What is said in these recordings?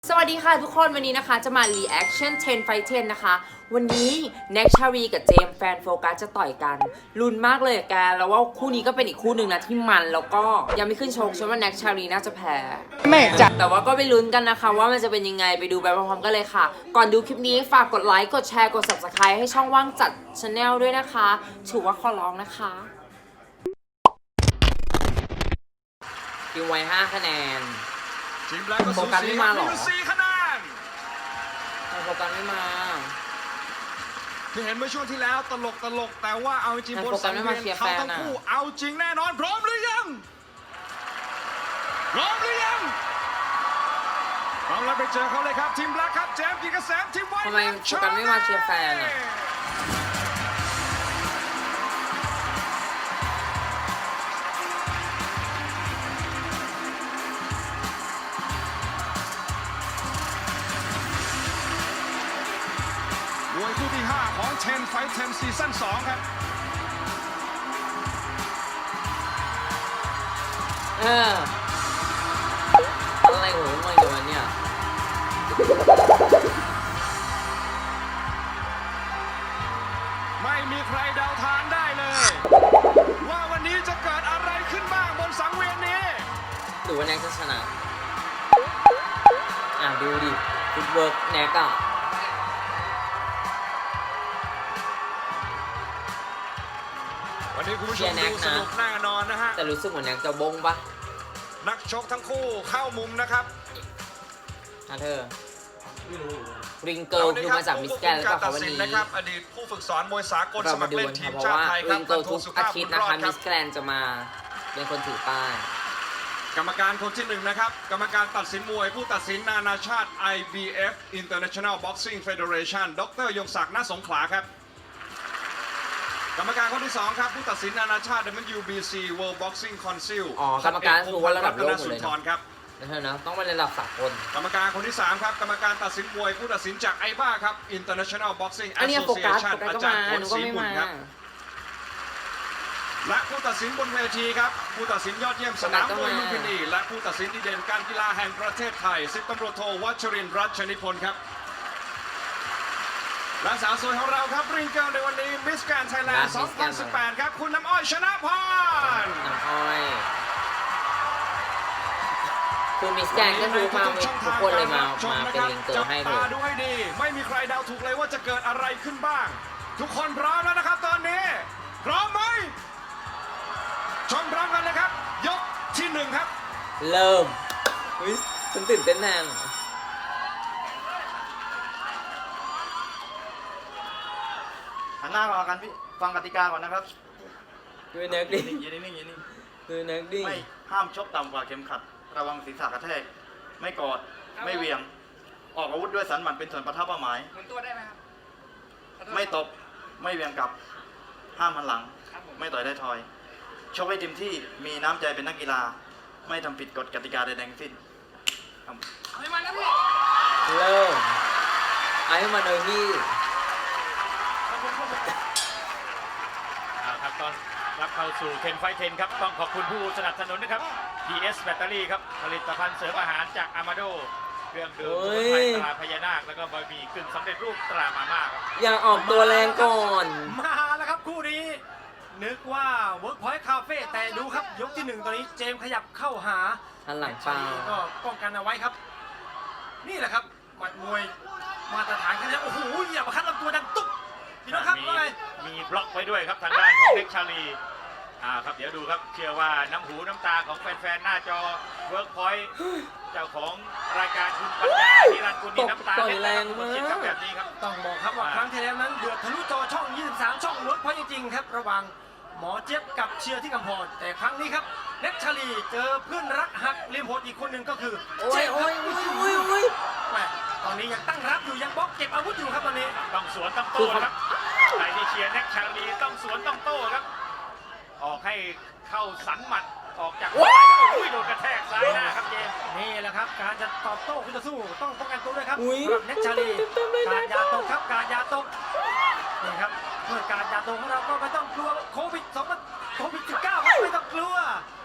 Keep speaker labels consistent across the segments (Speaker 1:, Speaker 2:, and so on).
Speaker 1: สวัสดีค่ะทุกคนวันนี้นะคะจะมา reaction 10 fight 10 นะคะวันนี้แน็กชารีกับเจมส์แฟนโฟกัสจะต่อยกันลุ้นมากเลยแกแล้วว่าคู่นี้ก็เป็นอีกคู่หนึ่งนะที่มันแล้วก็ยังไม่ขึ้นชกฉันว่าแน็กชารีน่าจะแพ้
Speaker 2: ไม่จัด
Speaker 1: แต่ว่าก็ไปลุ้นกันนะคะว่ามันจะเป็นยังไงไปดูไปพร้อมๆกันเลยค่ะก่อนดูคลิปนี้ฝากกดไลค์กดแชร์กด subscribe ให้ช่องว่างจัด channel ด้วยนะคะถือว่าขอร้องนะคะทีมไว้5 คะแนน
Speaker 3: ทีมแรกก็สูสีครับมีอยู่4 คะแนน
Speaker 1: โฟกัสไม่มา
Speaker 3: ที่เห็นเมื่อช่วงที่แล้วตลกแต่ว่าเอาจริงบนสังเวียนเขาทั้งคู่เอาจริงแน่นอนพร้อมหรือยังพร้อมแล้วไปเจอเขาเลยครับทีมแรกครับเจมส์กิจเกษมทีมไว้
Speaker 1: ทำไมโฟกัสไม่มาเชียร์แฟนอ่ะ
Speaker 3: มวยคู่ที่5ของ10 Fight 10ซีซั่น2ครับ
Speaker 1: อะไรของมันอยู่วันเนี่ย
Speaker 3: ไม่มีใครเดาทางได้เลย ว่าวันนี้จะเกิดอะไรขึ้นบ้างบนสังเวียนนี้
Speaker 1: หรือว่าแน็กจะชนะดูดิฟุตเวิร์กแน็กอะ
Speaker 3: วันนี้คุณผู้ชมดูสนุกแน่นอนนะฮะ
Speaker 1: แต่รู้สึกเหมือนแน็กจะบงปะ
Speaker 3: นักชกทั้งคู่เข้ามุมนะครับ
Speaker 1: เธอริงเกิลคือมาจากมิสแกรนด์แล้วก็วันนี้
Speaker 3: นะครับอดีตผู้ฝึกสอนมวยสากลสมัครเล่นทีมชาติไทยครับ
Speaker 1: ริงเกิลทุกอาทิตย์นะคะมิสแกรนด์จะมาเป็นคนถือป้าย
Speaker 3: กรรมการคนที่1นะครับกรรมการตัดสินมวยผู้ตัดสินนานาชาติ IBF International Boxing Federation ดร.ยงศักดิ์ ณ สงขลาครับกรรมการคนที่2ครับผู้ตัดสินนานาชาติ WBC World Boxing Council
Speaker 1: กรรมการคือว่าระดับโลกเลย
Speaker 3: ครับ
Speaker 1: นะต้องเป็นระดับสากล
Speaker 3: กรรมการคนที่3ครับกรรมการตัดสินมวยผู้ตัดสินจากไอบ้าครับ International Boxing Association อาจารย์พลศรีบุญครับและผู้ตัดสินบนเวทีครับผู้ตัดสินยอดเยี่ยมสนามมวยลุมพินีและผู้ตัดสินดีเด่นการกีฬาแห่งประเทศไทย10ตำรวจโทวัชรินทร์รัชนิพนธ์ครับและสาวสวยของเราครับริงเกิลในวันนี้มิสแกรนด์ไทยแลนด์ 2018 ครับคุณน้ำอ้อยชนะพร
Speaker 1: น้ำอ้อยคือมิสแกรนด์ก็คือมาทุกคนเลยมาเป็นริงเกิลให้เลย
Speaker 3: ดูให้ดีไม่มีใครเดาถูกเลยว่าจะเกิดอะไรขึ้นบ้างทุกคนพร้อมแล้วนะครับตอนนี้พร้อมไหมชมพร้อมกันเลยครับยกที่1ครับ
Speaker 1: เริ่มฉันตื่นเต้นแน่
Speaker 2: หันหน้ามากันพี่ฟังกติกาก่อนนะครับ
Speaker 1: ดูแน็กดิ
Speaker 2: ยืนนิ่ง
Speaker 1: ดูแน็กดิ
Speaker 2: ไม่ห้ามชกต่ำกว่าเข็มขัดระวังศีรษะกระแทกไม่กอดไม่เวียงออกอาวุธด้วยสันหมัดเป็นส่วนประทับเป้าหมาย
Speaker 4: หมุนตัวได้ไหมครับ
Speaker 2: ไม่ตบไม่เวียงกลับห้ามหันหลังไม่ต่อยได้ทอยชกให้เต็มที่มีน้ำใจเป็นนักกีฬาไม่ทำผิดกฎกติกาใดๆทั้งสิ้น
Speaker 4: เอาให้มันนะพี่
Speaker 1: เริ่มไอ้มาเลยพี่
Speaker 5: ครับตอนรับเข้าสู่10 Fight 10ครับต้องขอบคุณผู้สนับสนุนนะครับ PS แบตเตอรี่ครับผลิตภัณฑ์เสริมอาหารจากอามาโดเครื่องดื่มสมุนไพรตราพญานาคแล้วก็บะหมี่กึ่งสำเร็จรูปตรามาม่าครับ
Speaker 1: อย่าออกตัวแรงก่อน
Speaker 4: มาแล้วครับคู่นี้นึกว่า Workpoint Cafe แต่ดูครับยกที่1ตอนนี้เจมขยับเข้าหา
Speaker 1: หันหลังเปล่า
Speaker 4: ก็ป้องกันเอาไว้ครับนี่แหละครับหมัดมวยมาตรฐานแค่นี้โอ้โหอย่ามาคัดลำตัวดังตุ๊บพี่น้องครับว่าไง
Speaker 5: มีบล็อกไว้ด้วยครับทางด้านของเน็กชาลีครับเดี๋ยวดูครับเชื่อว่าน้ำหูน้ำตาของแฟนๆหน้าจอ Workpoint เจ้าของรายการคุณปัญญานิรันดร์กุลน้ำตา
Speaker 1: แรงมาก
Speaker 5: แบบนี้ครับ
Speaker 4: ต้องบอกครับว่าครั้งที่แล้วนั้นเดือดทะลุจอช่อง23ช่องWorkpointจริงๆครับระหว่างหมอเจี๊ยบกับเชียร์ที่กำพรแต่ครั้งนี้ครับเน็กชาลีเจอเพื่อนรักหักเลียมโหดอีกคนหนึ่งก็คือ
Speaker 1: เจ๊โอ้ย
Speaker 4: ตอนนี้ยังตั้งรับอยู่ยังบล็อกเก็บอาวุธอยู่ครับตอนนี้
Speaker 5: ต้องสวนต้องโต้ครับใครที่เชียร์เน็กชาลีต้องสวนต้องโต้ครับออกให้เข้าสันหมัดออกจากได้อุ้ยโดนกระแทกซ้ายหน้าครับเจม
Speaker 4: นี่แหละครับการจะตอบโต้คุณจะสู้ต้องป้องกันตัวด้วยครับเน็กชาลีการยาตกครับการยาตกนี่ครับเมื่อการยาตกของเราก็ไม่ต้องกลัวโควิด19ไม่ต้องกลัว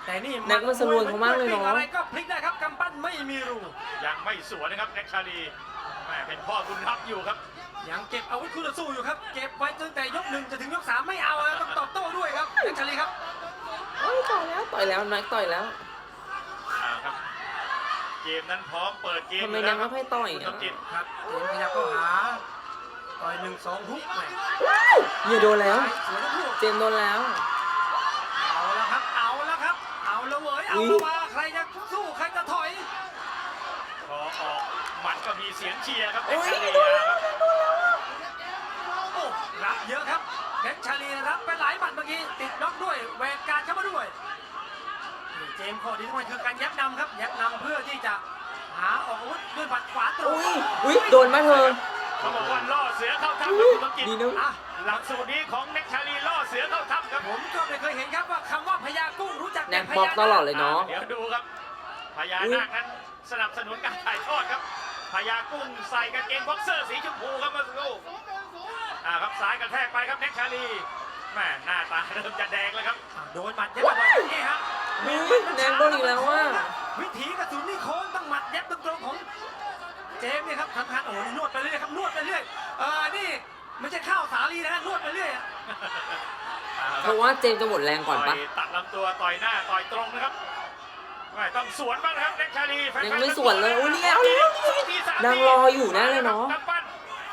Speaker 4: แต่นี่
Speaker 1: แน็กมันสรวนเขามากเลยเนอะ
Speaker 4: อะไรก็พลิกได้ครับกำปั้นไม่มีรู
Speaker 5: ยังไม่สวนนะครับแน็กชาลีแม่เป็นพ่อบุญทัพอยู่ครับ
Speaker 4: ยังเก็บอาวุธคู่ต่อสู้อยู่ครับเก็บไว้ตั้งแต่ยก 1จะถึงยก 3ไม่เอานะต้องตอบโต้ด้วยครับแน็กชาลีครับ
Speaker 1: เอ้ยต่อยแล้วแน็กต่อยแล้ว
Speaker 5: ครับ เกมนั้นพร้อมเปิดเกม
Speaker 1: ทำไมแน็กไม่ค่อยต่อย
Speaker 5: คุณ
Speaker 1: อ่ะ
Speaker 5: สมจิต
Speaker 4: ครับเอ็มพยายามเข้าหาต่อย1-2 ฮุกแหม
Speaker 1: อย่าโดนแล้ว
Speaker 4: สวยทั้งคู่
Speaker 1: เจมส์โดนแล้ว
Speaker 4: เอาแล้วครับเอาแล้วครับเอาแล้วเว้ยเอา
Speaker 1: อุ๊ย
Speaker 4: แล้วว่าใครจะสู้ใครจะถอย
Speaker 5: พอออกหมัดก็มีเสียงเชียร์ครับแน็
Speaker 1: โอ้
Speaker 5: ก
Speaker 1: ย
Speaker 5: ชาลี
Speaker 1: โดน
Speaker 5: ครับ
Speaker 4: โอ้รับเยอะครับเพชรชาลีรับไปหลายหมัดเมื่อกี้ติดน็อกด้วยแหวกการเข้ามาด้วยนี่เจมส์ข้อดีที่มันคือการยับนำครับยับนำเพื่อที่จะหาออกอาวุธด้วยหมัดขวาตรง
Speaker 1: อุ้ยโดนมาเธอ
Speaker 5: เขาบอกว่าล่อเสือเข้าถ้ำครับคุณสมจิต
Speaker 1: ดีนะ
Speaker 4: อ่ะ
Speaker 5: หลักสูตรนี้ของแน็กชาลีล่อเสือเข้าถ้ำครับ
Speaker 4: ผมก็ไม่เคยเห็นครับว่าคำว่าพญากุ้งรู้จัก
Speaker 1: แน็
Speaker 4: แต่
Speaker 1: ก
Speaker 4: พ
Speaker 1: บล็อก
Speaker 4: ญา
Speaker 1: ตลอดเลยเนาะ
Speaker 5: เดี๋ยวดูครับพญานาคนั้นสนับสนุนการถ่ายทอดครับพญากุ้งใส่กางเกงบ็อกเซอร์สีชมพูครับเมื่อสักครู่ครับซ้ายกระแทกไปครับแน็กชาลีแม่หน้าตาเริ่มจะแดงแล้วครับ
Speaker 4: โดนหมัดยับแบบนี้ฮะ
Speaker 1: อุ๊ยแน็กโดนอีกแล้วว่ะ
Speaker 4: วิถีกระสุนนี่โค้งต้องหมัดยับตรงๆของเจมส์เนี่ยครับทำการโอ้ยนวดไปเรื่อยครับนวดไปเรื่อยนี่ไม่ใช่ข้าวสาลีนะนวดไปเรื่อยอะ
Speaker 1: เพราะว่าเจมส์จะหมดแรงก่อนปะ
Speaker 5: ต่ยตัดลำตัวต่อยหน้าต่อยตรงนะครับไม่ต้องสวนบ้างนะครับแน็กชาลีแฟนๆ
Speaker 1: ยังไม่สวนเลยอุ๊ยนี่เอาแล้ว
Speaker 5: สองทีสามที
Speaker 1: นางรออยู่แน่เลยเนาะ
Speaker 5: กำปั้น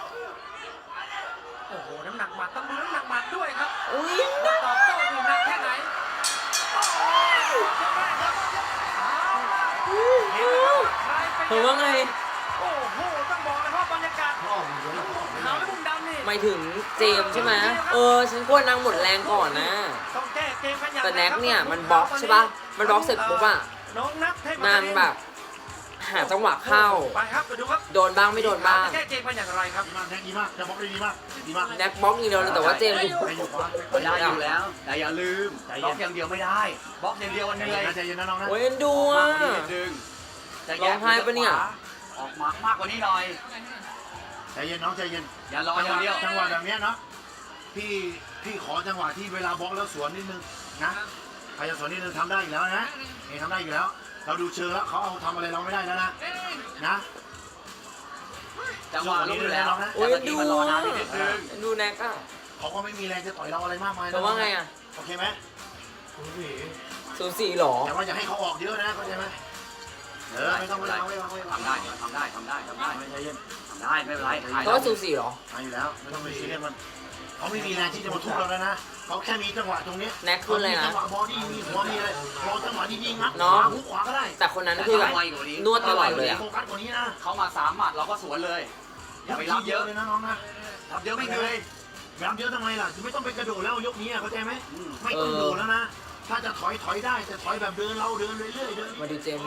Speaker 4: โอ้โหน้ำหนักหมัดต้องดูน้ำหนักหมัดด้วยครับ
Speaker 1: อุ้ย
Speaker 4: ว่าตอบโต้อยู่หนักแค่ไหนโอ้ยยกแรกครับเห็นไหมครับใครไป
Speaker 1: เธอว่าไง
Speaker 4: โอ้โหต้องบอกเลยว่าบรรยากาศขาวและมุมดำนี่
Speaker 1: หมายถึงเจมส์ใช่ไหมฉันกลัวนางหมดแรงก่อนนะ
Speaker 4: ต้องแก้เกมกันอย่าง
Speaker 1: แต่แน็กเนี่ยมันบล็อกใช่ปะมันบล็อกเสร็จปุ๊บอะ
Speaker 4: น้องนัทเทพ
Speaker 1: นางแบบหาจังหวะเข้า
Speaker 4: ไปครับไปดูครับ
Speaker 1: โดนบ้างไม่โดนบ้าง
Speaker 4: จะแก้เกมกันอย่างไรครับ
Speaker 6: ดีมากแน็กดีมากจะบล็อกได้ดีมากดีมาก
Speaker 1: แน็กบล็อกอย่างเดียวเลยแต่ว่าเจมส์อยู่
Speaker 6: ไปอยู่ขวา
Speaker 7: ได้อยู่แล้ว แต่อย่าลืมบล็อกอย่างเดียวไม่ได้บล็อกอย่างเดียวมัน
Speaker 6: ใจ
Speaker 7: เหนื่
Speaker 6: เย็
Speaker 7: อย
Speaker 6: นนะใจเย็นนะน้องนะ
Speaker 1: โอ้ยเอ็นดู
Speaker 7: มาก
Speaker 1: อ่ะ
Speaker 7: กว่านี้นิดนึงจะ
Speaker 1: ร้องไห้ปะเนี่ย
Speaker 7: ออกมากกว่านี้หน่อย
Speaker 6: ใจเย็นน้องใจเย็น
Speaker 7: อย่ารออย่างเดียว
Speaker 6: จังหวะแบบเนี้ยเนาะพี่ขอจังหวะที่เวลาบล็อกแล้วสวนนิดนึงนะใครจะสวนนิดนึงทำได้อยู่แล้วนะนี่ทำได้อยู่แล้ว เราดูเชิงแล้วเขาเอาทำอะไรเราไม่ได้แล้วนะนะ
Speaker 7: จังหวะรู้อยู่แล้ว
Speaker 1: โอ้ย
Speaker 7: แต่
Speaker 1: เอ็
Speaker 7: เมื่อน กี้
Speaker 1: ดู
Speaker 7: มันรอ
Speaker 1: อ่ะ
Speaker 7: นานไปนิดนึง
Speaker 1: เอ็นดูแน็กอ่ะ
Speaker 6: เขาก็ไม่มีแรงจะต่อยเราอะไรมากมาย
Speaker 1: แต่ว่าไงอ่ะ
Speaker 6: โอเคไหม
Speaker 1: สูสีหรอ
Speaker 6: แต่ว่าอย่าให้เขาออกเยอะนะเข้าใจไหมไม่ต้องไม่ต้องไม่ต้องไม่ต้อง
Speaker 7: ทำได้ทำได้ทำได้ทำได้
Speaker 6: ไม่ใจเย็น
Speaker 7: ทำได้ไม่เป็นไรถ่าย
Speaker 1: ก็สูสีหรอ
Speaker 6: มาอยู่แล้วไม่ต้องไปซีเรียสมันเขาไม่มีแรงที่จะมาทุบเราแล้วนะเขาแค่มีจังหวะตรงนี้
Speaker 1: แน็กขึ้นเลยนะ
Speaker 6: จังหวะบอดี้มีหัวมีอะไรรอจังหวะดีๆงัด
Speaker 1: เนาะ
Speaker 6: หุกขวาก็ได้
Speaker 1: แต่คนนั้นคือแบบนวดตลอดเลยอ่ะ
Speaker 6: โฟกัสกว่านี้นะ
Speaker 7: เขามา3 หมัดเราก็สวนเลย อย่าไปรับเยอะ
Speaker 6: เลยนะน้องนะ
Speaker 7: รับเยอะไม่เหนื่อย
Speaker 6: รับเยอะทำไมล่ะคือไม่ต้องไปกระโดดแล้วยกนี้เข้าใจไหม
Speaker 7: อืม
Speaker 6: ไม่ต้องโดดแล้วนะ ถ้าจะถอยได้แต่ถอยแบบเดินเราเดินเรื่อยๆเดิน
Speaker 1: มาดูเจมส์ดิ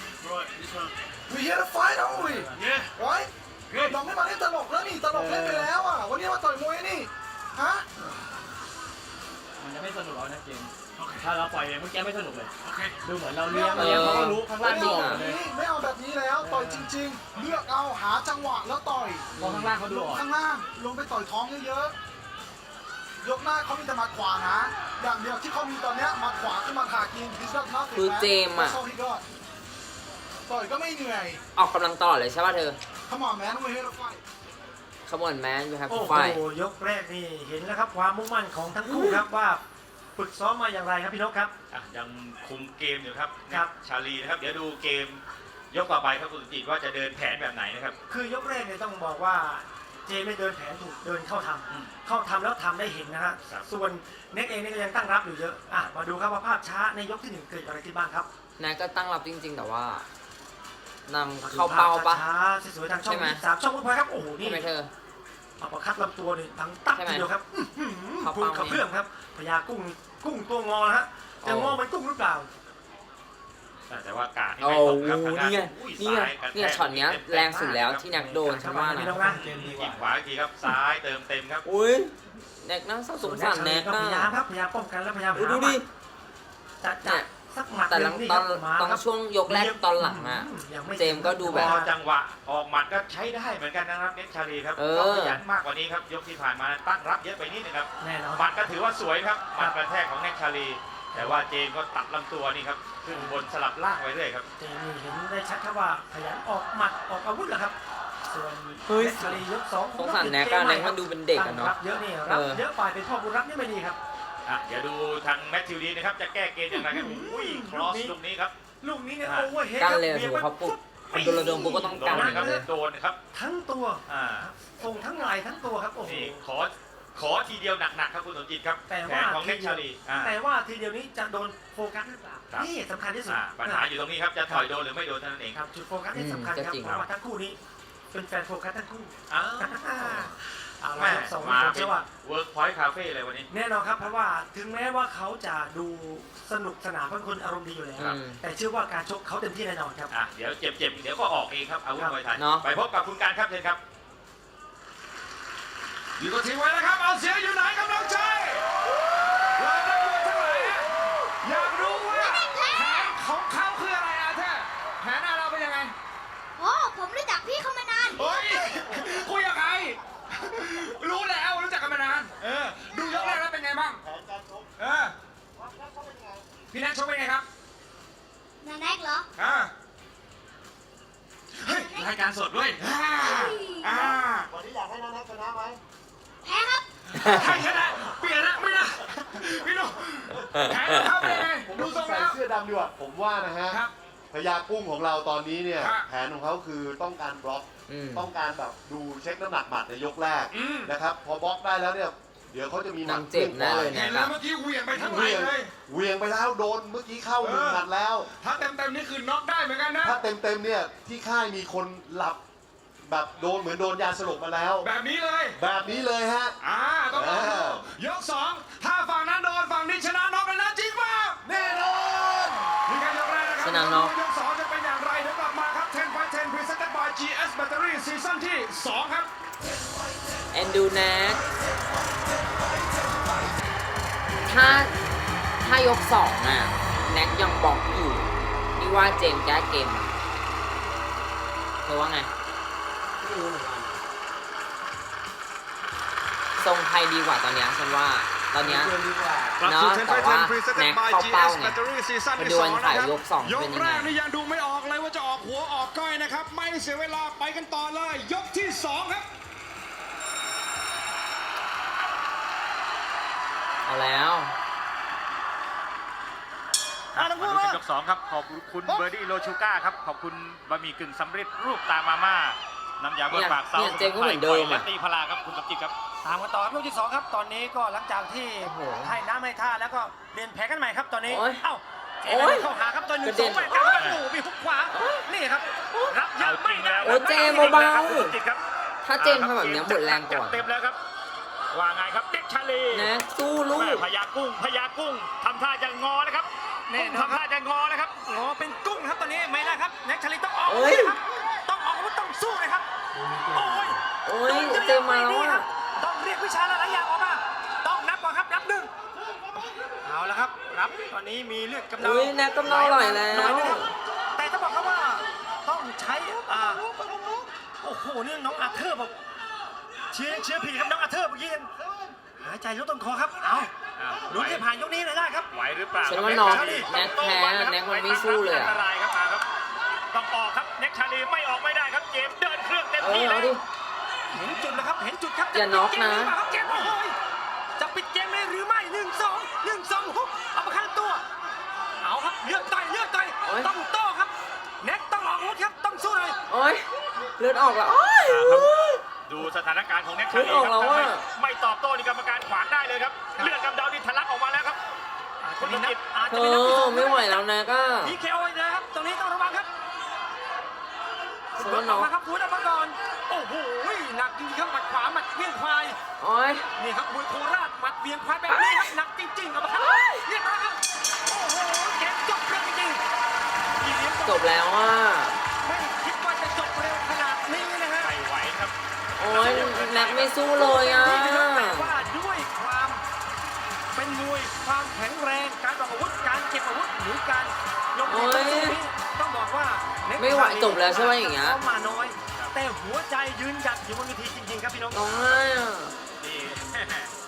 Speaker 8: We here to fight, aren't we? Right? เราไม่มาเล่นตลกแล้วนี่ตลกเล่นไปแล้วอ่ะวันนี้มาต่อยมวยนี่ฮะ
Speaker 9: มันจะไม่สนุกเอานะเกมถ้าเราปล่อยเมื่อกี้ไม่สนุกเลย
Speaker 6: โอเค
Speaker 9: ดูเหมือนเราเลี้ยงเขาก็รู้ข้างล่าง
Speaker 8: ไม่
Speaker 9: ดู
Speaker 8: เอา
Speaker 9: ออก
Speaker 8: แบบ
Speaker 9: เลย
Speaker 8: นี้ไม่เอาแบบนี้แล้วต่อยจริง ๆ เลือกเอาหาจังหวะแล้วต่อย
Speaker 9: พอข้างล่างเขาดู
Speaker 8: ล
Speaker 9: อง อก
Speaker 8: ข้างล่างลงไปต่อยท้องเยอะๆยกหน้าเขามีแต่หมัดขวานะอย่างเดียวที่เขามีตอนเนี้ยหมัดขวาขึ้นมาถากินดิสก์น็อก
Speaker 1: คือเจมส์อะ
Speaker 8: ต่อยก็ไม่เหนื่อย
Speaker 1: ออกกำลังตลอดเลยใช่ป่ะเธอ
Speaker 8: Come on man we're here to fight
Speaker 1: Come on man you have
Speaker 4: โอ้
Speaker 1: to
Speaker 4: โห
Speaker 1: fight
Speaker 4: ยกแรกนี่เห็นแล้วครับความมุ่งมั่นของทั้งคู่ครับว่าฝึกซ้อมมาอย่างไรครับพี่นกครับ
Speaker 5: ยังคุมเกมอยู่ครับ
Speaker 4: ครับ
Speaker 5: ชาลีนะครับเดี๋ยวดูเกมยกต่อไปครับคุณสุจิตว่าจะเดินแผนแบบไหนนะครับ
Speaker 4: คือยกแรกเนี่ยต้องบอกว่าเจไม่เดินแผนถูกเดินเข้าทำเข้าทำแล้วทำได้เห็นนะฮะ
Speaker 5: ครับ
Speaker 4: ส่วนเน็กเองเนี่ยก็ยังตั้งรับอยู่เยอะมาดูครับว่าภาพช้าในยกที่1เกิดอะไรขึ้นบ้างครับ
Speaker 1: แน็กก็ตั้งรับจริงๆ แต่ว่านางเข้าเป้าปะ
Speaker 4: ช้าๆสวยๆทางช่อง
Speaker 1: ใช่ไหม
Speaker 4: 3ช่องวุ้นพลอยครับโอ้โหนี่
Speaker 1: ใช่ไหมเธอ
Speaker 4: อัปเปอร์คัดลำตัวนี่ทั้งตับ
Speaker 1: ใช่ไหม
Speaker 4: ทีเดียวครับ
Speaker 1: เข้า
Speaker 4: พุ่ง
Speaker 1: เป้า
Speaker 4: กระเพื่อมครับพญากุ้งตัวงอนะฮะจะงอเหมันกุ้งหรือเปล่า
Speaker 5: แต่ว่ากาดที่
Speaker 1: โอ้
Speaker 5: ไม่ตกครับ
Speaker 1: โห
Speaker 5: ทางด้า
Speaker 1: นี่ไง
Speaker 5: อุ้ย
Speaker 1: นี่ไง
Speaker 5: ซ้ายกระแทก
Speaker 1: เนี่ยช็อตเนี้ยแรงสุดแล้วที่แน็กโดนฉันว่านะ
Speaker 4: พี่นกนะ
Speaker 5: ยิงขวาอีกทีครับซ้ายเติมเต็มครับ
Speaker 1: อุ้ยแน็กน่าสงสารแน็ก
Speaker 4: ก็
Speaker 1: น่ะ
Speaker 4: พยายามครับพยายามป้องกันและพยายาม
Speaker 1: อุ๊ย
Speaker 4: หา
Speaker 1: ดูดิ
Speaker 4: จะสักหมัด
Speaker 1: แต่
Speaker 4: ห
Speaker 1: หลั
Speaker 4: นึ่
Speaker 1: ง
Speaker 4: งนี่
Speaker 1: ต
Speaker 4: ค
Speaker 1: อ
Speaker 4: รั
Speaker 1: น
Speaker 4: บมา
Speaker 1: ตอน
Speaker 4: ครับ
Speaker 1: ช่วงยกแรกตอนหลังอ่ะ
Speaker 4: ยังไม่
Speaker 1: เจมส์ก็ดูแบบ
Speaker 5: พอจังหวะออกหมัดก็ใช้ได้เหมือนกันนะครับเน็กชาลีครับ
Speaker 1: เออ
Speaker 5: ต้องขยันมากกว่านี้ครับยกที่ผ่านมาตั้งรับเยอะไปนิดนึงครับ
Speaker 4: แน่นอน
Speaker 5: หมัดก็ถือว่าสวยครับหมัดกระแทกของเน็กชาลีแต่ว่าเจมส์ก็ตัดลำตัวนี่ครับขึ้นบนสลับล่างไว้เรื่อยครับ
Speaker 4: เจมส์นี่เห็นได้ชัดครับว่าขยันออกหมัดออกอาวุธแหละครับส่วน
Speaker 1: เฮ้ย
Speaker 4: เน็กชาลียกสอง
Speaker 1: สงสารแน็กอะแน็กมันดูเป็นเด็กอะเนาะ
Speaker 4: รับเยอะนี่รับเยอะไปเป็นพ่อบุญรับนี่ไม่ดีครับ
Speaker 5: เดี๋ยวดูทางแมทธิวดีนะครับจะแก้เกมอย่างไรครับอุ้ยครอสลูกนี้ครับ
Speaker 4: ลูกนี้เนี่ยโอเวอร์เฮด
Speaker 1: กันเลยถือเขาปุ๊บโดนระดมปุ๊บก็ต้อง
Speaker 5: โด
Speaker 1: กัน
Speaker 5: นนะครับโดนครับ
Speaker 4: ทั้งตัว
Speaker 5: อ่า
Speaker 4: ส่งทั้งไหล่ทั้งตัวครับโอ้โห
Speaker 5: นี่ขอทีเดียวหนักๆครับคุณสมจิตครับ
Speaker 4: แต่
Speaker 5: แข
Speaker 4: ว่าน
Speaker 5: ของเน็กชาลี
Speaker 4: แต่ว่าทีเดียวนี้จะโดนโฟกัสหรือเปล่า
Speaker 5: ครับ
Speaker 4: นี่สำคัญที่สุด
Speaker 5: ปัญหาอยู่ตรงนี้ครับจะถอยโดนหรือไม่โดนเท่านั้นเอง
Speaker 4: ครับจุดโฟกัสที่สำคัญครับเพราะว่าทั้งคู่นี้เป็นแฟนโฟกัสทั้งคู่
Speaker 5: อ้าว
Speaker 4: เอาละ
Speaker 5: แม่
Speaker 4: ครับสอง
Speaker 5: มา
Speaker 4: ผม
Speaker 5: เป็
Speaker 4: เชื่
Speaker 5: น
Speaker 4: อว่า
Speaker 5: เวิร์กพอยต์คาเฟ่เลยวันนี้
Speaker 4: แน่นอนครับเพราะว่าถึงแม้ว่าเขาจะดูสนุกสนานเป็นคนอารมณ์ดีอยู่แล้ว
Speaker 1: อืม
Speaker 4: แต่เชื่อว่าการชกเขาเต็มที่แน่นอนครับ
Speaker 5: เดี๋ยวเจ็บเดี๋ยวก็ออกเองครับอาวุธมวยไทย
Speaker 1: เนาะ
Speaker 5: ไปพบกับคุณการครับเชิญครับ
Speaker 3: อยู่กับทีมไว้นะครับ เอาเสียงอยู่ไหนกำลังใจเราได้ดูเท่าไหร่อะอยากรู้ว่าแผนของเขาคืออะไรอาเธอร์แผนเราเป็นยังไง
Speaker 10: โอ้ผมรู้จักพี่เขามานาน
Speaker 3: เฮ้ยคุยกับใครรู้แล้วรู้จักกันมานาน ดูยกแรกแล้วเป็นไงบ้างพี่แนทชกเป็นไงครับ
Speaker 10: นาแน็กเหรอ
Speaker 3: เฮ้ยรายการสดด้วย
Speaker 6: วันนี้อยากให้น้องนัทชนะไหม
Speaker 10: แพ้ครับ
Speaker 3: ใครชนะเปลี่ยนละไม่ได้พี่นุ๊กแผนของเขาเป็นไงดูทรง
Speaker 11: ใส่
Speaker 3: แล้ว
Speaker 11: เสื้อดำดีกว่าผมว่านะฮะ
Speaker 3: ครับ
Speaker 11: พญากุ้งของเราตอนนี้เนี่ย
Speaker 3: ครับ
Speaker 11: แผนของเขาคือต้องการบล็อก
Speaker 1: อืม
Speaker 11: ต้องการแบบดูเช็คน้ำหนักหมัดในยกแรก
Speaker 3: อืม
Speaker 11: นะครับพอบล็อกได้แล้วเนี่ยเดี๋ยวเขาจะมีหมั
Speaker 1: นา
Speaker 11: ด
Speaker 1: งเจ็บแน่เลย
Speaker 3: เห็น
Speaker 1: นะค
Speaker 3: แล้
Speaker 1: รั
Speaker 3: ว
Speaker 1: บ
Speaker 3: เมื่อกี้เหวี่ยงไปทั้งไห
Speaker 11: เห
Speaker 3: ล
Speaker 11: วียง
Speaker 3: เลย
Speaker 11: เหวียงไปแล้วโดนเมื่อกี้เข้าหนึ่งหมัดแล้ว
Speaker 3: ถ้าเต็มๆนี่คือน็อกได้เหมือนกันนะ
Speaker 11: ถ้าเต็มๆเนี่ยที่ค่ายมีคนหลับแบบโดนเหมือนโดนยาสลบมาแล้ว
Speaker 3: แบบนี้เลย
Speaker 11: แบบนี้เลยฮะ
Speaker 3: ต้องลองดูยกสองถ้าฝั่งนั้นโดนฝั่งนี้ชนะน็อกเลยนะจริงป่ะ
Speaker 11: แน่นอน
Speaker 3: นี่การยกแรกนะครั
Speaker 1: ชนะน็อก
Speaker 3: ยกสองจะเป็นอย่างไรเดี๋ยวกลับมาครับ 10 by 10 Presented by GS Battery ซีซั่นที่ 2 ครับ
Speaker 1: แอนดูแน็กถ้ายกสองอ่ะแน็กยังบล็อกอยู่นี่ว่าเจมส์แก้เกมอะเธอว่าไง
Speaker 4: ไม่รู้เหมือนกัน
Speaker 1: ทรงไทยดีกว่าตอนเนี้ยฉันว่าตอนเนี้ย
Speaker 4: เกินดีกว่า
Speaker 3: กลับ
Speaker 1: เนาะ
Speaker 3: สู่10
Speaker 1: แต่
Speaker 3: by
Speaker 1: ว่า
Speaker 3: 10 Presented
Speaker 1: แน็ก
Speaker 3: by
Speaker 1: เข้าเป้า
Speaker 3: GS
Speaker 1: ไง
Speaker 3: Battery ซีซั่น
Speaker 1: มา
Speaker 3: ที่
Speaker 1: ดูวัน
Speaker 3: 2
Speaker 1: ถ่าย
Speaker 3: นะครับ
Speaker 1: ยกสอง
Speaker 3: ย
Speaker 1: เป็
Speaker 3: ก
Speaker 1: นยัง
Speaker 3: แร
Speaker 1: ไง
Speaker 3: กนี่ยังดูไม่ออกเลยว่าจะออกหัวออกก้อยนะครับ ไม่เสียเวลาไปกันต่อเลย ยกที่ 2 ครับ
Speaker 1: เอาแล้ว
Speaker 5: มาดูกันยก2ครับขอบคุณเบอร์ดี้โลชูก้าครับขอบคุณบะหมี่กึ่งสำเร็จรูปตามาม่าน้ำยาบนปากเซา
Speaker 1: เนี่ยเจมส์ก็เหมือนเดิมอะ
Speaker 5: และตีพลาครับคุณสมจิตครับ
Speaker 4: ตามกันต่อครับยกที่สองครับตอนนี้ก็หลังจากที่
Speaker 1: โอ้โห
Speaker 4: ให้น้ำให้ท่าแล้วก็เรียนแผนกันใหม่ครับตอนนี้
Speaker 1: โอ้ย
Speaker 4: เอ้าเจม
Speaker 1: โอ้ย
Speaker 4: ส์เข้าหาครับตัวหนึ่ง
Speaker 1: กระ
Speaker 4: ส
Speaker 1: เด็
Speaker 4: อน งแหวนกลางโอ้โหมีหุกขวานี่ครับรับเย
Speaker 5: เอา
Speaker 4: อะ
Speaker 5: จ
Speaker 4: ไม่
Speaker 5: ริง
Speaker 4: ได้
Speaker 5: แล้ว
Speaker 1: โอ้ยเจมส์เบาๆ
Speaker 5: คุณสมจิตครับ
Speaker 1: ถ้าเจมส์ทำแบบเนี้ยหมดแรงก่อน
Speaker 5: เต็มแล้วครับว่าไงครับเด็กชาลี
Speaker 1: แน็กสู้ลู
Speaker 5: แม่
Speaker 1: ก
Speaker 5: พญากุ้งทำท่าจะงอนะครับ
Speaker 4: แน่นอน
Speaker 5: ทำท่าจะงอนะครับ
Speaker 4: งอเป็นกุ้งครับตอนนี้ไม่ได้ครับแน็กชาลีต้องออก
Speaker 1: เอ้ย
Speaker 4: ครับต้องออกอาวุธต้องสู้เลยครับโอ้ย
Speaker 1: โอ้ยเจมส์มาแล้วอ่ะ
Speaker 4: ต้องเรียกวิชาหลายๆอย่างออกมาต้องนับก่อนครับนับหนึ่งเอาละครับนับตอนนี้มีเลือดกำเดา
Speaker 1: อุ้ยแน็กกำลังอร่อยแล้ว
Speaker 4: น้นะครับแต่ต้องบอกครับว่าต้องใช้โอ้โหนี่น้องอาเธอร์บอกเชียร์ผีครับน้องอาเธอร์เมื่อกี้ยังหายใจลดต้นคอครับเอาลุ้นให้ผ่านยกนี้เลยได้ครับ
Speaker 5: ไหวหรือเปล่า
Speaker 1: ฉันว่าน้องแน็กแพ้แน็กมันไม่สู้เลยอะ
Speaker 5: อันตรายครับมาครับต้องออกครับเน็กชาลีไม่ออกไม่ได้ครับเจมส์เดินเครื่องเต็ม
Speaker 1: เอ
Speaker 5: ที่
Speaker 1: อ
Speaker 5: เล
Speaker 1: เอา
Speaker 5: ย
Speaker 1: ดิ
Speaker 4: เห็นจุดแล้วครับเห็นจุดครับ
Speaker 1: อย่าน็อกนะ
Speaker 4: จะปิดเกมหรือเปล่าครับเจมส์โอ้ยจะปิดเกมเลยหรือไม่1-2ฮุกเอาประคันตัวเอาครับเลือดต่อยต้องโต้ครับแน็กต้องออกอาวุธครับต้องสู้เลย
Speaker 1: โอ้ยเลือดออกแล้วโอ้ย
Speaker 5: ดูสถานการณ์ของเน็กชาลี
Speaker 1: เลือดออก
Speaker 5: ค
Speaker 1: แล้
Speaker 5: รั
Speaker 1: ว
Speaker 5: บ
Speaker 1: อะ
Speaker 5: ไม่ตอบโต้นี่กรรมการขวางได้เลยครับเลือดกำเดานี่ทะลักออกมาแล้วครับ
Speaker 4: อาจจะมีนับอาจ
Speaker 1: เธ
Speaker 4: จะมีนับที่ส
Speaker 1: อ
Speaker 4: อง
Speaker 1: ไม่ไหวแล้วนะก็
Speaker 4: พีเคโอนะครับตรงนี้ต้องระวังครับ
Speaker 1: ฉัน
Speaker 4: อ
Speaker 1: ว่า
Speaker 4: อก
Speaker 1: น้อง
Speaker 4: มาครับคุณออกมาก่อนโอ้โหหนักจริงๆครับหมัดขวาหมัดเวียงควาย
Speaker 1: โอ้ย
Speaker 4: นี่ครับมวยโคราชหมัดเวียงควายแบบนี้ครับหนักจริงๆเอามาครับเรียบร้อยครับโอ้โหเกมจบเร็วจริงๆอีเลี้ยง
Speaker 1: จบแล้วอ่ะ
Speaker 4: ไม่คิดว่าจะจบเร็วขนาดนี้นะฮะ
Speaker 5: ไม่ไหวครับ
Speaker 1: โอ้ยแน็กไม่สู้เลยอ่ะ
Speaker 4: นี่นะครับแต่ว่าด้วยความเป็นมวยความแข็งแรงการออกอาวุธการเก็บอาวุธหรือการลงทุนสู้นี้ต้องบอกว่าเน็ก
Speaker 1: ไม่ไหวจบแล้วใช่ไหมอย่างเงี้ย
Speaker 4: เข้ามาน้อย แต่หัวใจยืนหยัดอยู่บนเวทีจริงๆครับพี่น้อง
Speaker 1: ร้องไห้อ่ะ
Speaker 5: นี่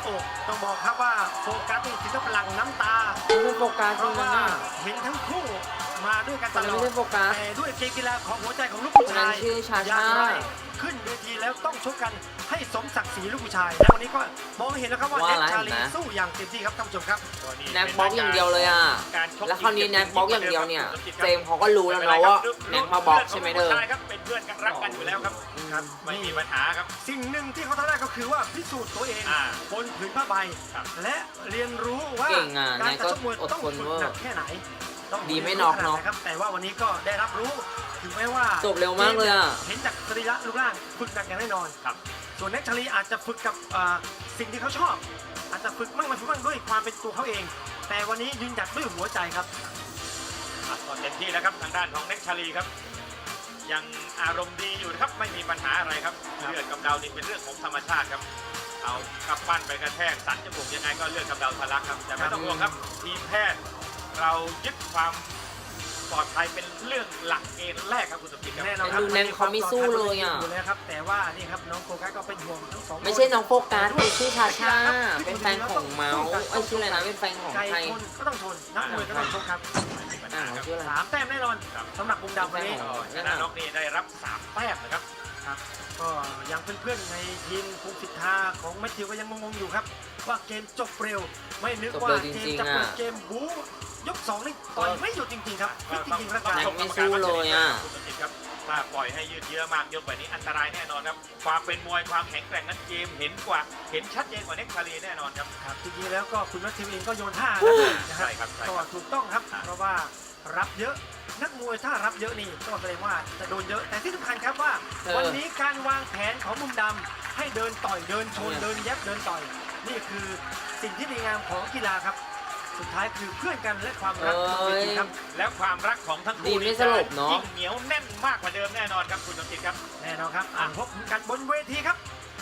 Speaker 4: โอ้ต้องบอกครับว่าโฟกัสนี่ถึงกับหลั่งน้ำตา
Speaker 1: ไม่ใช่โฟกัส
Speaker 4: เพ
Speaker 1: ตร
Speaker 4: ราะ
Speaker 1: งนั้
Speaker 4: ว่าน
Speaker 1: น่ะ
Speaker 4: เห็นทั้งคู่มาด้วยกันต
Speaker 1: ตอน
Speaker 4: ล
Speaker 1: นั้น
Speaker 4: อ
Speaker 1: ไม่
Speaker 4: ด
Speaker 1: ใช่โฟกัส
Speaker 4: แต่ด้วยเกมกีฬาของหัวใจของลูกผู้ชาย
Speaker 1: คนนั้นชื่อชาชา
Speaker 4: อย่างไรขึ้นเวทีแล้วต้องชกกันให้สมศักดิ์ศรีลูกผู้ชาย และวันนี้ก็มองเห็นแล้วครับว่า
Speaker 1: ว่า
Speaker 4: แน็ก
Speaker 1: อะไร
Speaker 4: ชาลี
Speaker 1: นะ
Speaker 4: สู้อย่างเต็มที่ครับท่านผู้ชมครับ
Speaker 1: แน็กบล็อกอย่างเดียวเลยอ่ะ
Speaker 5: การชก
Speaker 1: แล้วคราวนี้แน็กบล็อกอย่างเดียวเนี่ย เจมส์เขาก็รู้แล้วนะว่าแน็กมาบล็อกใช่ไหมเธอ
Speaker 5: ใช่ครับเป็นเพื่อนกันรักกันอยู่แล้วครับ
Speaker 4: ครับ
Speaker 5: ไม่มีปัญหาครับ
Speaker 4: สิ่งหนึ่งที่เขาทำได้ก็คือว่าพิสูจน์ตัวเอง
Speaker 5: อ่า
Speaker 4: บนผืนผ้าใบ
Speaker 5: ครับ
Speaker 4: และเรียนรู้ว่า
Speaker 1: เก่งอ่ะ
Speaker 4: การ
Speaker 1: นายก็
Speaker 4: ชกมวย
Speaker 1: อด
Speaker 4: ต้อง
Speaker 1: ทน
Speaker 4: ฝึก
Speaker 1: เวอร์
Speaker 4: หนักแค่ไหนต้อง
Speaker 1: ดีไม่น็อกเนอะ
Speaker 4: ขดไหครับแต่ว่าวันนี้ก็ได้รับรู้ถึงแม้ว่า
Speaker 1: จบเร็วมากเลยอ่ะ
Speaker 4: เห็นจากสรีระรูปร่างฝึกหนักอย่างแน่นอน
Speaker 5: ครับ
Speaker 4: ส่วนแน็กชาลีอาจจะฝึกกับสิ่งที่เขาชอบ อาจจะฝึกมั่งไม่ฝึกมั่งด้วยความเป็นตัวเขาเอง แต่วันนี้ยืนหยัดด้วยหัวใจครับ
Speaker 5: อ่ะก็เต็มที่แล้วครับทางด้านของเน็กชาลีครับ ยังอารมณ์ดีอยู่นะครับไม่มีปัญหาอะไรครับเลือดกำเดานี่เป็นเรื่องของธรรมชาติครับ เอากำปั้นไปกระแทกสันจมูกยังไงก็เลือดกำเดาทะลักครับแต่ไม่ต้องห่วงครับทีมแพทย์เรายึดความปลอดภัยเป็นเรื่องหลักเกณฑ์แรกครับคุณสมจิตครับ
Speaker 4: แน่นอนครับ
Speaker 1: ดูแน็กเขาไม่สู้เลยอ่ะ
Speaker 4: อยู่แล้วครับแต่ว่านี่ครับน้องโฟกัสก็เป็นห่วงทั้งสองคน
Speaker 1: ไม่ใช่น้องโฟกัสเป็นชื่อชาชา เป็นแฟนของเมาส์ไอ้ยชื่ออะไรนะ เป็นแฟนของ
Speaker 4: ไก่
Speaker 1: ใคร
Speaker 4: ชนก็ต้องชนนักมวยก็ต้องชกครับ
Speaker 1: อ่าชื่ออะไร
Speaker 4: 3 แต้มแน่นอน
Speaker 5: ครับ
Speaker 4: สำหรับมุมดำวันนี้
Speaker 1: อ๋อ
Speaker 5: ชนะน็อกนี่ได้รับ3แต้มนะครับ
Speaker 4: ครับก็ยังเพื่อนๆในทีมภูมิสิทธาของแมทธิวก็ยังงงๆอยู่ครับว่าเกมจบเร็วไม่นึกว่าเกมจะเปิดเกมบู๊ยก2นี่ต่อยไม่หยุดจริงๆครับฟิตจริงๆร่างกาย
Speaker 1: แน็กไม่สู้เลยอ่ะ
Speaker 5: คุณสมจิตครับถ้าปล่อยให้ยืดเยื้อมากเยอะกว่านี้อันตรายแน่นอนครับความเป็นมวยความแข็งแกร่งนั้นเกมเห็นชัดเจนกว่าเน็กชาลีแน่นอนครับ
Speaker 4: ครับจริงๆแล้วก็คุณแมทธิวเองก็โยนท่าแล้วนะค
Speaker 5: ใช่
Speaker 4: รับ
Speaker 5: ครับใช่
Speaker 4: ก็
Speaker 5: ครับ
Speaker 4: ถูกต้องครับเพราะว่ารับเยอะนักมวยถ้ารับเยอะนี่ก็แสดงว่าจะโดนเยอะแต่ที่สำคัญครับว่า วันนี้การวางแผนของมุมดำให้เดินต่อยเดินชนเดินแยบเดินต่อย นี่คือสิ่งที่ดีงามของกีฬาครับ สุดท้ายคือเพื่อนกันและความรักบนเวทีครับ
Speaker 5: แล้วความรักของทั้ง
Speaker 1: ดี
Speaker 5: คู่
Speaker 1: ไม่สลบเนอะ
Speaker 5: ยิ่งเหนียวแน่นมากกว่าเดิมแน่นอนครับคุณสมจิตครับ
Speaker 4: แน่นอนครับพบกันบนเวทีครับ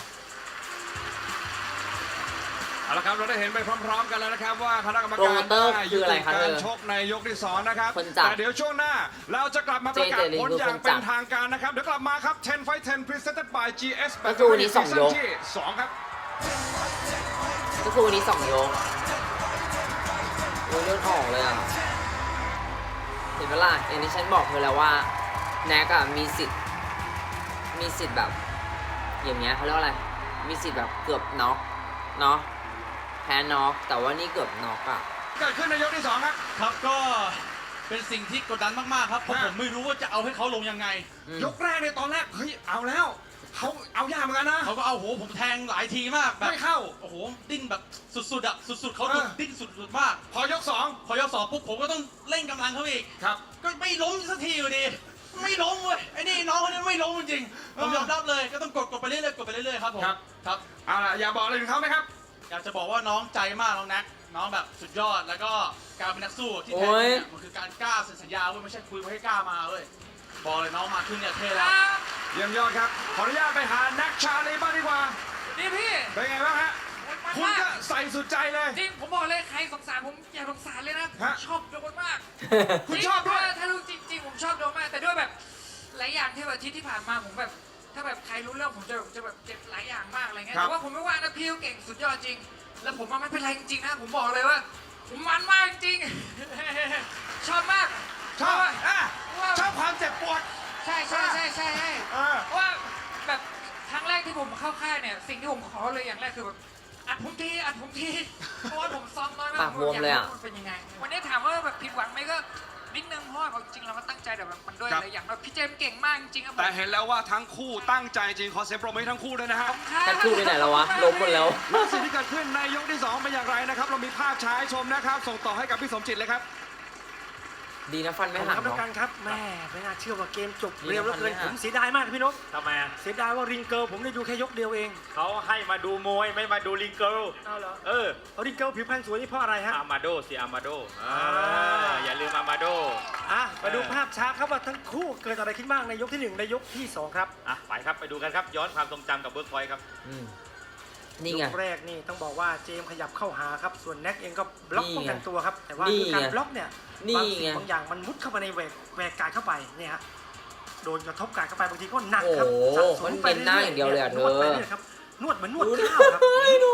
Speaker 3: เอาละครับเราได้เห็นไปพร้อมๆกันแล้วนะครับว่าคณะกรรม
Speaker 1: โปร
Speaker 3: การ
Speaker 1: โมเตอร์
Speaker 3: ได้
Speaker 1: คืออะไรคะ
Speaker 3: ยุ
Speaker 1: เธ
Speaker 3: ติ
Speaker 1: อ
Speaker 3: การชกในยกที่2นะครับ
Speaker 1: คนจัด
Speaker 3: แต่เดี๋ยวช่วงหน้าเราจะกลับมาประกาศ
Speaker 1: เจเจลิน
Speaker 3: ผล
Speaker 1: คือ
Speaker 3: อย่า
Speaker 1: ค
Speaker 3: ง
Speaker 1: นจัด
Speaker 3: เป็นทางการนะครับเดี๋ยวกลับมาครับ 10 Fight 10 Presented by GS
Speaker 1: ก็คือวันนี้
Speaker 3: Battery
Speaker 1: 2ยก
Speaker 3: ซีซั่นที่2ครับ
Speaker 1: ก็คือวันนี้2 ยกโอ้ยเลือดออกเลยอ่ะ เห็นไหมล่ะอย่างที่ฉันบอกเธอแล้วว่าแน็กอะมีสิทธิ์แบบ อย่างเงี้ยเขาเรียกว่าอะไร มีสิทธิ์แบบเกือบน็อกเนาะแพ้น็อกแต่ว่านี่เกือบน็อกอ่ะ
Speaker 3: เกิดขึ้นในยกที่2ครับ
Speaker 9: ครับก็เป็นสิ่งที่กดดันมากๆครับเพราะ
Speaker 3: ฮะ
Speaker 9: ผมไม่รู้ว่าจะเอาให้เขาลงยังไง
Speaker 3: ยกแรกในยตอนแรกเฮ้ยเอาแล้วเขาเอายากเหมือนกันนะ
Speaker 9: เขาก็เอาโหผมแทงหลายทีมากแบบ
Speaker 3: ไม่เข้า
Speaker 9: โอ้โหดิ้นแบบสุดๆอ่ะสุดๆเขา
Speaker 3: เออ
Speaker 9: ดิ้นสุดๆมาก
Speaker 3: พอยก2
Speaker 9: พอยกสองปุ๊บผมก็ต้องเร่งกำลังเขาอีก
Speaker 3: ครับ
Speaker 9: ก็ไม่ล้มสักทีอยู่ดีไม่ล้มเว้ยไอ้นี่น้องคนนี้ไม่ล้มจริงๆผมยอมรับเลยก็ต้องกดไปเรื่อยๆกดไปเรื่อยๆครับผม
Speaker 3: ครับ
Speaker 9: ครับ
Speaker 3: เอาล่ะอย่าบอกอะไรถึงเขาไหมครับ
Speaker 9: อยากจะบอกว่าน้องใจมากน้องแน็กน้องแบบสุดยอดแล้วก็การเป็นนักสู้ที่
Speaker 1: โอ้
Speaker 9: แท้จริ
Speaker 1: ย
Speaker 9: งเนี่ยมันคือการกล้าเซ็นสัญญาเว้ยไม่ใช่คุยไว้ให้กล้ามาเว้ยบอกเลยน้องมาขึ้นเนี่ยเท่แล้ว
Speaker 3: เยี่ยมยอดครับ ขออนุญาตไปหาแน็กชาลีบ้างดีกว่า
Speaker 12: นี่พี่
Speaker 3: เป็นไงบ้างฮะ คุณก็ใส่สุดใจเลย
Speaker 12: จริงผมบอกเลยใครสงสารผมอย่าสงสารเลยนะ
Speaker 3: ฮะ
Speaker 12: ชอบโดนมาก
Speaker 3: คุณชอบด้วย
Speaker 12: ถ้ารู้จริงๆผมชอบโดนมากแต่ด้วยแบบหลายอย่างที่แบบอาทิตย์ที่ผ่านมาผมแบบถ้าแบบใครรู้เรื่องผมจะแบบเจ็บหลายอย่างมากอะไรเงี้ย
Speaker 3: ครับ
Speaker 12: แต่ว่าผมไม่ว่านะพี่เขาเก่งสุดยอดจริง แล้วผมว่าไม่เป็นไรจริงๆนะผมบอกเลยว่า ผมมันมากจริง ชอบมาก
Speaker 3: ชอบ
Speaker 12: เพราะว่า
Speaker 3: อ่ะ
Speaker 12: ว่า
Speaker 3: ชอบความเจ็บปวด
Speaker 12: ใช่ใช่ใช่ใช่ใช่
Speaker 3: เออ
Speaker 12: เพราะว่าแบบครั้งแรกที่ผมเข้าค่ายเนี่ยสิ่งที่ผมขอเลยอย่างแรกคือแบบอัดผมทีอัดผมทีเพราะว่าผมซ้อมน้อยมาก
Speaker 1: ปากบวมเลยอะ
Speaker 12: ผมากรู้มันเป็นยังไงวันนี้ถามว่าแบบผิดหวังไหมก็นิดนึงเพราะว่าจริงๆเราก็ตั้งใจแต่แบบมันด้วย
Speaker 3: ครับ
Speaker 12: อะไรอย่างแบบพี่เจมส์เก่งมากจริงๆครับผม
Speaker 3: แต่เห็นแล้วว่าทั้งคู่ตั้งใจจริง ขอเสียงปรบมือให้ทั้งคู่ด้วยนะฮะ
Speaker 1: ท่านคู่ไปไหนแล้ววะล้มหมดแล้ว
Speaker 3: และสิ่งที่เกิดขึ้นในยกที่ 2 เป็นอย่างไรนะครับ เรามีภาพช้าให้ชมนะครับ ส่งต่อให้กับพี่สมจิตเลยครับ
Speaker 1: ดีนะฟัน
Speaker 4: ข
Speaker 1: ไม่
Speaker 4: อบคุณ
Speaker 1: หัก
Speaker 4: ครับทุ
Speaker 1: เนาะ
Speaker 4: กท่านครับแม่ไม่น่าเชื่อว่าเกมจบ
Speaker 1: นี่
Speaker 4: เร็วเหลือเกิน
Speaker 1: นะ
Speaker 4: ผมเสียดายมากพี่นก
Speaker 5: ทำไมอ่ะ
Speaker 4: เสียดายว่าริงเกิลผมได้ดูแค่ยกเดียวเอง
Speaker 5: เขาให้มาดูมวยไม่มาดูลิงเกิล
Speaker 4: เอาเหรอ
Speaker 5: เออ
Speaker 4: เอาริงเกิลผิวพรรณสวยนี่เพราะอะไรฮะ
Speaker 5: อามาโดสิอามาโดอย่าลืมอามาโด
Speaker 4: มาดูภาพช้าครับว่าทั้งคู่เกิดอะไรขึ้นบ้างในยกที่ 1 และยกที่ 2 ครับ
Speaker 5: อ่ะไปครับไปดูกันครับ ย้อนความทรงจำกับเบิร์กพอยต์ครับ
Speaker 1: อืมนี่ไง
Speaker 4: ยกแรกนี่ต้องบอกว่าเจมส์ขยับเข้าหาครับ ส่วนแน็กเองก็บล็อก
Speaker 1: นี่ไง
Speaker 4: ป้องกันตัวครับ แต่ว่า
Speaker 1: นี่
Speaker 4: คือการ
Speaker 1: ไง
Speaker 4: บล็อกเนี่ย
Speaker 1: นี่
Speaker 4: บางสิ่
Speaker 1: ไง
Speaker 4: งบางอย่างมันมุดเข้ามาในแหวกกายเข้าไปเนี่ยฮะโดนกระทบกายเข้าไปบางทีก็หนักครับ
Speaker 1: โอ้โห
Speaker 4: สะส
Speaker 1: มัน
Speaker 4: ไป
Speaker 1: เป็นหน้าอย่างเดียวเลยอะ
Speaker 4: นวดไป
Speaker 1: เธอ
Speaker 4: เรื่อยๆครับนวดเหมือนนวด
Speaker 1: ดู
Speaker 4: ข้าวครับ
Speaker 1: ดู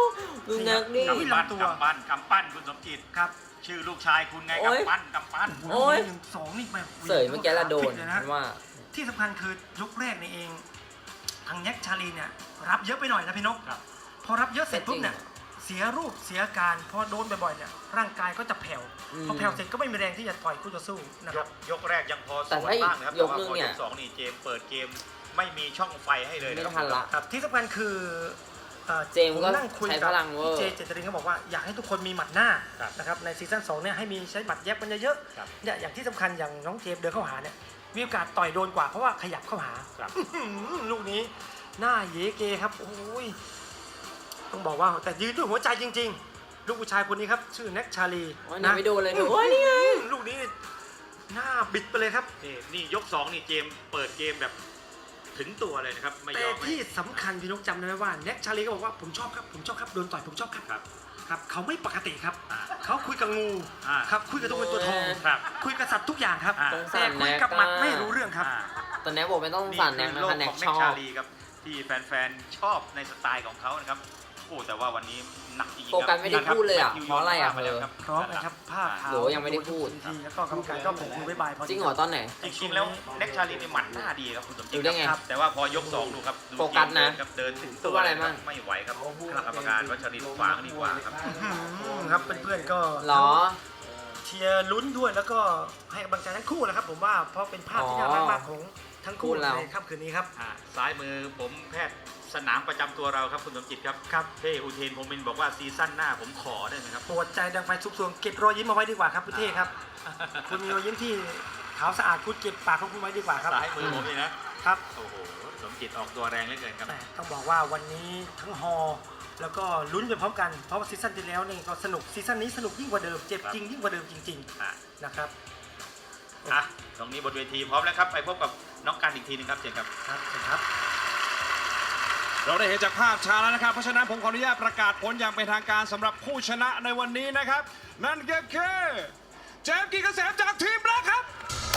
Speaker 1: ดูนักดิ
Speaker 5: กำปั้นคุณสมจิต
Speaker 4: ครับ
Speaker 5: ชื่อลูกชายคุณไง
Speaker 1: โอ๊ย
Speaker 5: กำปั้น
Speaker 1: โอ้ย
Speaker 4: 1-2 นี่แบบ
Speaker 1: เสยเมื่อกี้ละโดน
Speaker 4: เลยนะ
Speaker 1: ว่า
Speaker 4: ที่สำคัญคือยกแรกนี่เองทางแน็กชาลีเนี่ยรับเยอะไปหน่อยนะพี่นกพอรับเยอะเสร็จปุ๊บเนี่ยเสียรูปเสียการพอโดนบ่อยๆเนี่ยร่างกายก็จะแผ่วพอแผ่วเสร็จก็ไม่มีแรงที่จะต่อยคู่ต่อสู้นะครับ
Speaker 5: ยกแรกยังพอส
Speaker 1: แต่
Speaker 5: วน
Speaker 1: ถ้า
Speaker 5: บ้างนะครับ
Speaker 1: ย
Speaker 5: แต่
Speaker 1: ก
Speaker 5: ว่า
Speaker 1: นึง
Speaker 5: พอ
Speaker 1: เนี่ย
Speaker 5: ยก2นี่เจมส์เปิดเกมไม่มีช่องไฟให้เลย
Speaker 1: ไม่
Speaker 5: นะค
Speaker 1: ทั
Speaker 5: รั
Speaker 1: น
Speaker 5: บ
Speaker 1: ละ
Speaker 4: ครับที่สำคัญคือ
Speaker 1: เจมส์ก็
Speaker 4: ผนั่งคุย
Speaker 1: ใช้
Speaker 4: กับ
Speaker 1: พลังเวอร์
Speaker 4: พี่เจเจตรินเขาบอกว่าอยากให้ทุกคนมีหมัดหน้านะครับในซีซั่น2เนี่ยให้มีใช้หมัดแยบกันเยอะๆเนี่ยอย่างที่สำคัญอย่างน้องเจมส์เดินเข้าหาเนี่ยมีโอกาสต่อยโดนกว่าเพราะว่าขยับเข้าหาลูกนี้หน้าเยเกครับโอ้ยต้องบอกว่าแต่ยืนด้วยหัวใจจริงๆลูกผู้ชายคนนี้ครับชื่อแน็กชาลี
Speaker 1: โอ้ยไม่โดนเลยโอ้ยนี่ไง
Speaker 4: ลูกนี้หน้าบิดไปเลยครับ
Speaker 5: นี่ยก2นี่เจมส์เปิดเกมแบบถึงตัวเลยนะครับไม่ย
Speaker 4: แต่
Speaker 5: อมให้
Speaker 4: ที่สำคัญพี่นกจำได้ไหมว่าแน็กชาลีก็บอกว่าผมชอบครับโดนต่อยผมชอบครับครับเขาไม่ปกติครับเขาคุยกับงูครับคุยกับตัวเงินตัวทอง
Speaker 5: ครับ
Speaker 4: คุยกับสัตว์ทุกอย่างครับ
Speaker 1: สงสา
Speaker 4: แต่
Speaker 1: ร
Speaker 4: คุยกับหมัดไม่รู้เรื่องครับ
Speaker 1: ตอนนี้บอกไม่ต้องสั่นแน็ก
Speaker 5: นี่
Speaker 1: นะ
Speaker 5: คือโล
Speaker 1: คะ
Speaker 5: ก
Speaker 1: แน็
Speaker 5: ข
Speaker 1: ก
Speaker 5: อง
Speaker 1: ช
Speaker 5: แน็ก
Speaker 1: อ
Speaker 5: ชา
Speaker 1: บ
Speaker 5: ลีครับที่แฟนๆชอบในสไตล์ของเขานะครับโอ้แต่ว่าวันนี้หนักจริงๆ
Speaker 1: โฟกัสไม่ได้พูดเลยอ่ะ
Speaker 5: แมทธิว
Speaker 1: เพราะอะไรอ่ะ
Speaker 5: มาแล้วครับ
Speaker 4: พร้อมนะครับผ้าขาว
Speaker 1: โหยังไม่ได้พูด
Speaker 4: ทีแล้วก็กรรมการก็ผมคุยบ๊ายบายพอดี
Speaker 1: จริงเหรอตอนไหน
Speaker 5: จริงๆแล้วแน็กชาลีนี่หมัดหน้าดีครับคุณสมจิ
Speaker 1: ดู
Speaker 5: ต
Speaker 1: ได้ไง
Speaker 5: ครับแต่ว่าพอยก2ดูครับดู
Speaker 1: โฟกัสนะ
Speaker 5: ครับเดินถึง
Speaker 1: พู
Speaker 5: ตั
Speaker 1: ด
Speaker 5: ว
Speaker 1: ว่าอะไร
Speaker 5: เลยค
Speaker 1: บ้า
Speaker 5: รั
Speaker 1: ง
Speaker 5: บไม่ไหวครับกรรมการวัชรินทร์ขวางดีกว่าครับ
Speaker 4: ครับเพื่อนๆก็
Speaker 1: เหรอ
Speaker 4: เชียร์ลุ้นด้วยแล้วก็ให้กำลังใจทั้งคู่นะครับผมว่าเพราะเป็นภาพที่น่ารักมากของทั้งคู่
Speaker 1: คู่เรา
Speaker 4: ในค่ำคืนนี้ครับ
Speaker 5: ซ้ายมือผมแพทย์สนามประจำตัวเราครับคุณสมจิตครับ
Speaker 4: ครับ
Speaker 5: เท่อุเทนพรหมมินทร์บอกว่าซีซั่นหน้าผมขอได้ไหมครับ
Speaker 4: ปวดใจดังไฟซุกซวงเก็บรอยยิ้มเอาไว้ดีกว่าครับพี่เท่ครับ คุณมีรอยยิ้มที่ขาวสะอาดคุณเก็บปากของคุณไว้ดีกว่าครับ
Speaker 5: ซ้ายมือผมนี่นะครับ โอ้โหสมจิตออกตัวแรงเหลือเกินครับ
Speaker 4: แหมต้องบอกว่าวันนี้ทั้งฮอแล้วก็ลุ้นไปพร้อมกันเพราะว่าซีซั่นที่แล้วนี่ก็สนุกซีซั่นนี้สนุกยิ่งกว่าเดิมเจ็บจริงยิ่งกว่าเดิมจริง
Speaker 5: อ่ะ
Speaker 4: ๆนะครับ
Speaker 5: อ่ะตรงนี้บนเวทีพร้อมแล้วครับไปพบกับน้องกันอีกทีหนึงครับเชิญครับ
Speaker 4: ครับ
Speaker 3: เราได้เห็นจากภาพช้าแล้วนะครับ เพราะฉะนั้นผมขออนุญาตประกาศผลอย่างเป็นทางการสำหรับผู้ชนะในวันนี้นะครับ นั่นก็คือเจมส์กิจเกษมจากทีมแบล็คครับ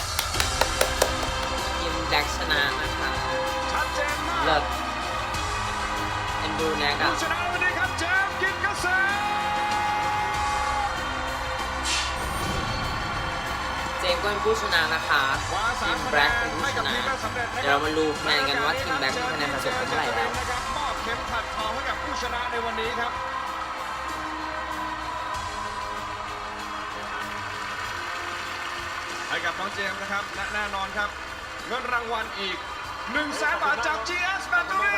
Speaker 1: ทีมแดกชนะนะคะ
Speaker 3: ชัดเจนมาก
Speaker 1: เลิศเอ็นดูแน็กอ่ะ
Speaker 3: ผู้ชนะในวันนี้ครับเจมส์กิจเกษม
Speaker 1: เจมส์ก็เป็นผู้ชนะนะคะ
Speaker 3: คว้า
Speaker 1: ที
Speaker 3: 3
Speaker 1: ม
Speaker 3: คะ
Speaker 1: แบ
Speaker 3: แน
Speaker 1: ล็ก
Speaker 3: น
Speaker 1: เป็นผู้
Speaker 3: ให้
Speaker 1: ช
Speaker 3: กับ
Speaker 1: นะ
Speaker 3: ทีมได้สำเร็จนะค
Speaker 1: เดี๋ยว
Speaker 3: รับ
Speaker 1: เรามาดูคะแนนกันว่าทีมแบล็กมีคะแนนสะสมเป็นเท่าไหร่แล้ว
Speaker 3: นะครับมอบเข็มขัดทองให้กับผู้ชนะในวันนี้ครับ ให้กับน้องเจมส์นะครับและแน่นอนครับ เงินรางวัลอีก 100,000 บาทจาก GS Battery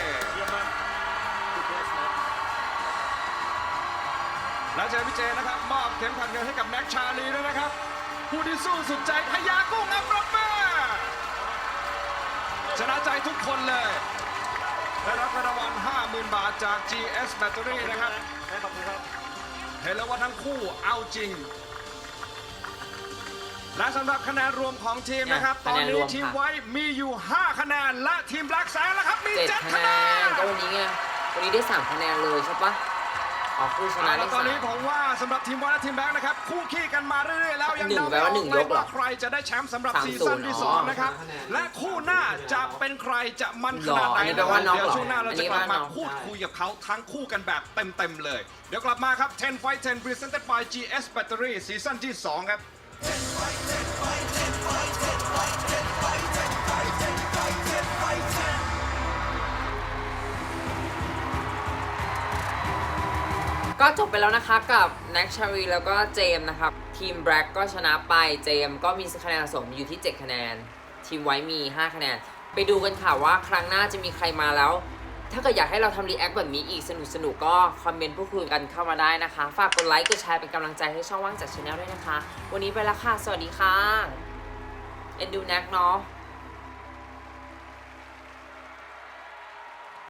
Speaker 3: และเจพี่เจนะครับมอบเข็มขัดเงินให้กับแน็กชาลีด้วยนะครับ ผู้ที่สู้สุดใจพญากุ้งอัปรบมือชนะใจทุกคนเลยได้รับเงินรางวัล 50,000 บาทจาก GS Battery นะครับเห็นแล้วว่าทั้งคู่เอาจริง และสำหรับคะแนนรวมของทีมนะครับ ตอนนี้ทีมไว้มีอยู่ 5 คะแนน และทีมแบล็กแซนนะครับมี
Speaker 1: 7
Speaker 3: 7
Speaker 1: คะ
Speaker 3: คะ
Speaker 1: แน
Speaker 3: แน
Speaker 1: น
Speaker 3: น
Speaker 1: ก็วันนี้ไงวันนี้ได้3คะแนนเลยใช่ปะอ๋อผู้ชนะ
Speaker 3: แล้
Speaker 1: ได้
Speaker 3: วตอนนี้
Speaker 1: 3
Speaker 3: ผมว่าสำหรับทีมวอลและทีมแบล็กนะครับคู่ขี้กันมาเรื่อยๆแล้วยัง
Speaker 1: หนึ่ง
Speaker 3: เดา
Speaker 1: แปล
Speaker 3: ไม่อ
Speaker 1: ว่า
Speaker 3: อก
Speaker 1: หนึ่ง
Speaker 3: เลย
Speaker 1: ยกเหรอ
Speaker 3: ว่าใครจะได้แชมป์สำหรับ
Speaker 1: 3-0
Speaker 3: ซีซั่นที่ 2 นะครับ และคู่หน้าจะเป็นใครจะมันขนาดไหน
Speaker 1: อันนี้แปล
Speaker 3: นะค
Speaker 1: ว่า
Speaker 3: รับ
Speaker 1: น็อก
Speaker 3: เดี๋ยว
Speaker 1: เหรอ
Speaker 3: ช่วงหน้าเรา
Speaker 1: อัน
Speaker 3: จะ
Speaker 1: นี้
Speaker 3: กลับ
Speaker 1: ว่า
Speaker 3: มา
Speaker 1: น็อก
Speaker 3: พูดคุยกับเขาทั้งคู่กันแบบเต็มๆเลย เดี๋ยวกลับมาครับ 10 Fight 10 Presented by GS Battery ซีซั่นที่ 2 ครับ
Speaker 1: ก็จบไปแล้วนะคะกับแน็กชารีแล้วก็เจมส์นะครับทีมแบล็กก็ชนะไปเจมส์ก็มีคะแนนสะสมอยู่ที่ 7 คะแนน ทีมไว้มี 5 คะแนน ไปดูกันค่ะว่าครั้งหน้าจะมีใครมาแล้ว ถ้าเกิดอยากให้เราทำรีแอคแบบนี้อีกสนุกๆก็คอมเมนต์พูดคุยกันเข้ามาได้นะคะ ฝากกดไลค์กดแชร์เป็นกำลังใจให้ช่องว่างจากชาแนลด้วยนะคะ วันนี้ไปแล้วค่ะ สวัสดีค่ะเอ็นดูแน็กเนาะ